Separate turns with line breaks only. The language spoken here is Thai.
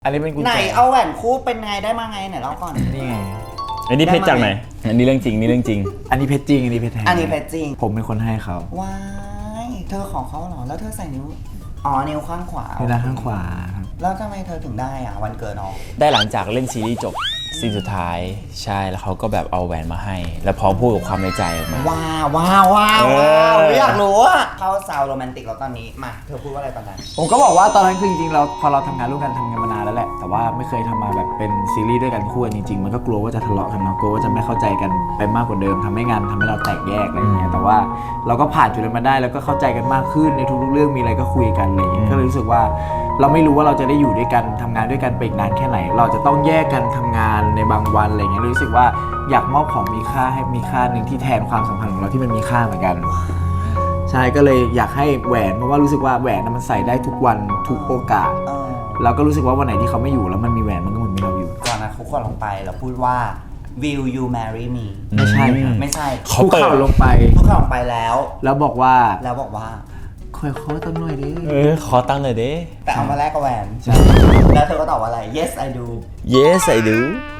อันนี้เป็นกุญแจ
ไหนเอาแหวนคู่เป็นไงได้มาไงไหนเล่าก่อน
นี่ไง
อันนี้เพชรจากไหนอันนี้เรื่องจริงนี่เรื่องจริง
อันนี้เพชรจริงอันนี้เพชรแท้
อันนี้เพชรจริง
ผมเป็นคนให้เขา
ว้ายเธอของเขาเหรอแล้วเธอใส่นิ้วนิ้วข้างขวา
เวลาข้างขวาครับ
แล้วทำไมเธอถึงได้วันเกิดน้อง
ได้หลังจากเล่นซีรีส์จบซีนสุดท้ายใช่แล้วเขาก็แบบเอาแหวนมาให้ แล้วพร้อมพูดกับความในใจออกมา
ว้าวอยากรู้อะเขาซาวโรแมนติกแล้วตอนนี้มาเธอพูดว่าอะไรตอนนั้น
ผมก็บอกว่าตอนนั้นคือจริงๆเราพอเราทำงานร่วมกันทำงานมานานแล้วแหละแต่ว่าไม่เคยทำมาแบบเป็นซีรีส์ด้วยกันคู่กันจริงๆมันก็กลัวว่าจะทะเลาะกันเนาะกลัวว่าจะไม่เข้าใจกันไปมากกว่าเดิมทำให้งานทำให้เราแตกแยกอะไรอย่างเงี้ยแต่ว่าเราก็ผ่านจุดนั้นมาได้แล้วก็เข้าใจกันมากขึ้นในทุกๆเรื่องมีอะไรก็คุยกันอะไรอย่างเงี้ยก็เลยรู้สึกว่าเราไม่รู้ว่าเราจะได้อยู่ด้วยกันทำงานด้วยกันไปอีกนานแค่ไหนเราจะต้องแยกกันทำงานในบางวันอะไรเงี้ยรู้สึกว่าอยากมอบของมีค่าให้มีค่าหนึ่งที่แทนความสัมพันธ์ของเราที่มันมีค่าเหมือนกันใช่ก็เลยอยากให้แหวนเพราะว่ารู้สึกว่าแหวนมันใส่ได้ทุกวันทุกโอกาสแล้วก็รู้สึกว่าวันไหนที่เขาไม่อยู่แล้วมันมีแหวนมันก็เหมือนมีเราอยู่
ก่อนนะคุกเข่าลงไปแล้วพูดว่า Will you marry me
ไม่ใช่ครับ
ไม่ใช่
คุกเข่าลงไป
คุกเข่าลงไปแล้ว
แล้วบอกว่า คอยขอตั้งหน่อยดิ
ขอตั้งหน่อยดิ
แต่เอามาแลกกับแหวน
ใช่
แล้วเธอก็ตอบว่าอะไร yes I do
Yes I do